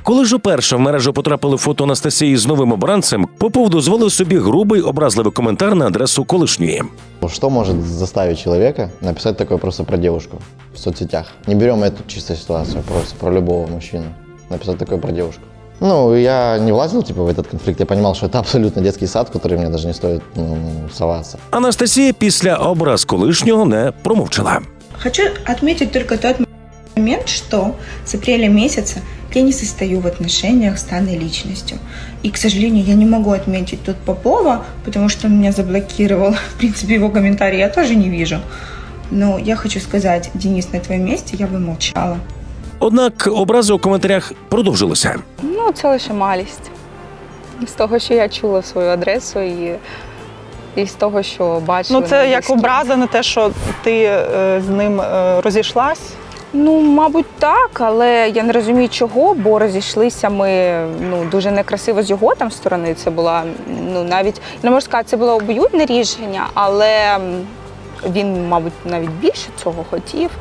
Коли ж уперше в мережу потрапили фото Анастасії з новим обранцем, Попов дозволив собі грубий образливий коментар на адресу колишньої. Что может заставить человека написать такое просто про девушку в соцсетях? Не берем эту чисто ситуацию, просто про любого мужчину. Написать такое про девушку. Ну, я не влазил в этот конфликт, я понимал, что это абсолютно детский сад, в который мне даже не стоит соваться. Анастасія після образ колишнього не промовчала. Хочу отметить только тот момент, что с апреля месяца я не состою в отношениях с данной личностью. И, к сожалению, я не могу отметить тут Попова, потому что он меня заблокировал. В принципе, его комментарии я тоже не вижу. Но я хочу сказать, Денис, на твоем месте я бы молчала. Однак образи у коментарях продовжилися. Ну, це лише малість. З того, що я чула свою адресу і з того, що бачила. Ну, це як образа на те, що ти з ним розійшлась? Ну, мабуть, так, але я не розумію, чого, бо розійшлися ми дуже некрасиво з його там сторони. Це була, навіть, не можу сказати, це було обоюдне рішення, але він, мабуть, навіть більше цього хотів.